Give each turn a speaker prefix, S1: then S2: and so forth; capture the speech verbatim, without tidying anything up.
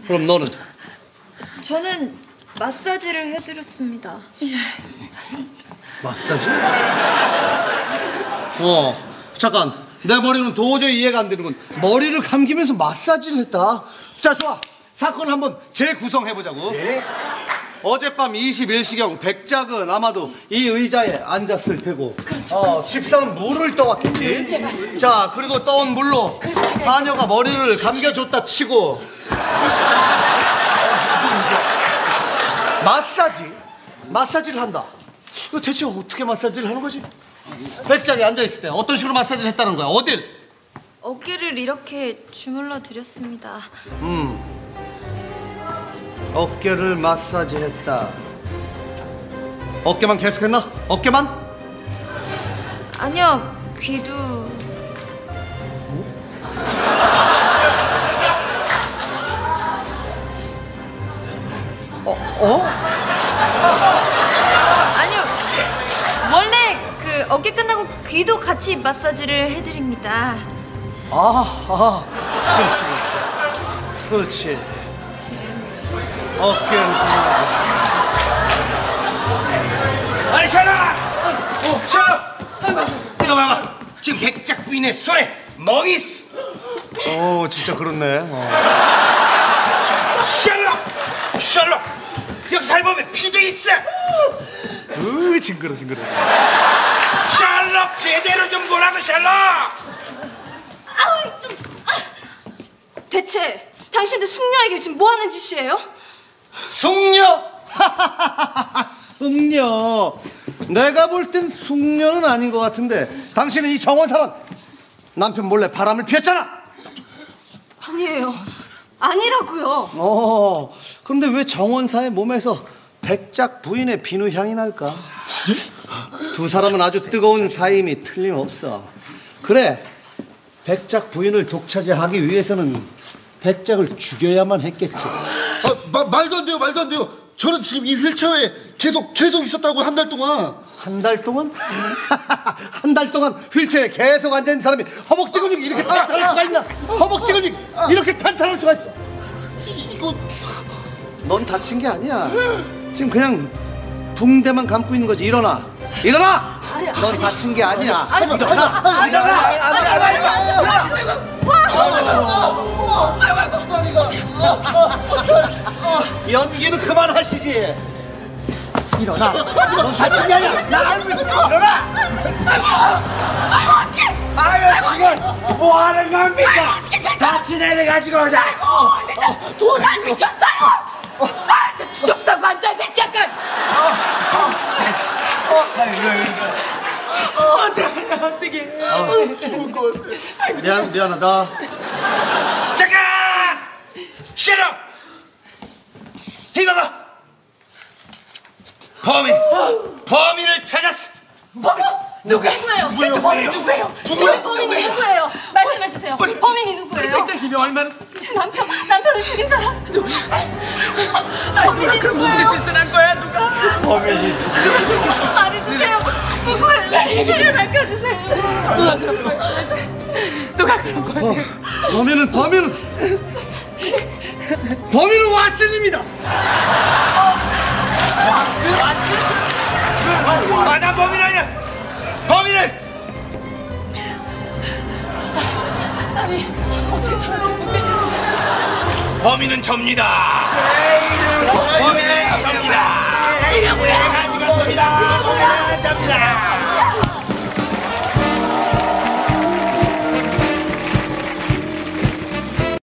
S1: 그럼 너는?
S2: 저는 마사지를 해드렸습니다.
S3: 예, 맞습니다.
S1: 마사지? 어, 잠깐. 내 머리는 도저히 이해가 안 되는군. 머리를 감기면서 마사지를 했다. 자, 좋아. 사건을 한번 재구성해보자고.
S4: 네?
S1: 어젯밤 이십일 시경 백작은 아마도 이 의자에 앉았을 테고, 그렇죠, 어, 집사는 물을 떠왔겠지. 네, 자, 그리고 떠온 물로 하녀가 머리를 감겨줬다 치고 마사지? 마사지를 한다. 이거 대체 어떻게 마사지를 하는 거지? 백작이 앉아있을 때 어떤 식으로 마사지를 했다는 거야? 어딜?
S2: 어깨를 이렇게 주물러 드렸습니다.
S1: 음. 어깨를 마사지했다. 어깨만 계속했나? 어깨만?
S2: 아니요, 귀도.
S1: 어? 어?
S2: 아니요, 원래 그 어깨 끝나고 귀도 같이 마사지를 해드립니다.
S1: 아, 아, 그렇지, 그렇지. 그렇지. 어깨를 끝나고.
S4: 아니, 샬라! 어, 샬라! 이거 봐봐. 지금 백작 부인의 손에 멍이 있어.
S1: 어, 진짜 그렇네. 어.
S4: 샬라! 샬라! 여기 살보면 피도 있어.
S1: 으, 징그러, 징그러.
S4: 샬록 제대로 좀 보라고, 샬록!
S3: 아우, 좀... 아. 대체 당신들 숙녀에게 지금 뭐 하는 짓이에요?
S1: 숙녀! 숙녀. 내가 볼 땐 숙녀는 아닌 것 같은데 당신은 이 정원사랑 남편 몰래 바람을 피웠잖아.
S3: 아니에요. 아니라고요.
S1: 어, 그런데 왜 정원사의 몸에서 백작 부인의 비누 향이 날까? 두 사람은 아주 뜨거운 사임이 틀림없어. 그래, 백작 부인을 독차지하기 위해서는 백작을 죽여야만 했겠지.
S5: 아, 마, 말도 안 돼요, 말도 안 돼요. 저는 지금 이 휠체어에 계속 계속 있었다고, 한 달 동안.
S1: 한 달 동안? 한 달 동안 휠체어에 계속 앉아있는 사람이 허벅지 근육이 이렇게 탄탄할 수가 있나? 허벅지 근육이 이렇게 탄탄할 수가 있어.
S5: 이거
S1: 넌 다친 게 아니야. 지금 그냥 붕대만 감고 있는 거지. 일어나, 일어나. 넌 다친 게 아니야. 일어나, 일어나. 연기는 그만하시지. 일어나. 넌 다친 게 아니야. 나 알고 있어. 일어나.
S4: 아이고, 어떡해! 아유, 지금 뭐 하는 겁니까? 다친 애를 가지고 오자.
S3: 아이고, 진짜 도살 미쳤어요. 아, 진짜 주접사고 앉아있네, 잠깐. 어떡해, 어떡해.
S5: 죽을 것 같아.
S1: 미안, 미안하다.
S4: 잠깐! 샬록! 이거 봐! 범인! 범인을 찾았어!
S3: 범인?
S4: 누가?
S3: 누구예요?
S4: 누구예요?
S3: 대체 범인 누구예요?
S4: 누구예요?
S3: 범인이 누구예요? 말씀해주세요. 범인이 누구예요?
S6: 백작님이 얼마나
S3: 제 남편, 남편을 죽인 사람 누구?
S6: 아, 누가 그런 무슨 짓을 한 거야? 누가?
S4: 범인이
S3: 말해주세요. 누구예요? 진실을 밝혀주세요.
S6: 누가 그런 거야? 누가 그런 거야?
S1: 어, 범인은 범인은 범인은 왓슨입니다.
S4: 아, 나 범인 아니야! 범인은!
S6: 아니, 어떻게 저렇게 못되겠어?
S4: 범인은 접니다! 범인은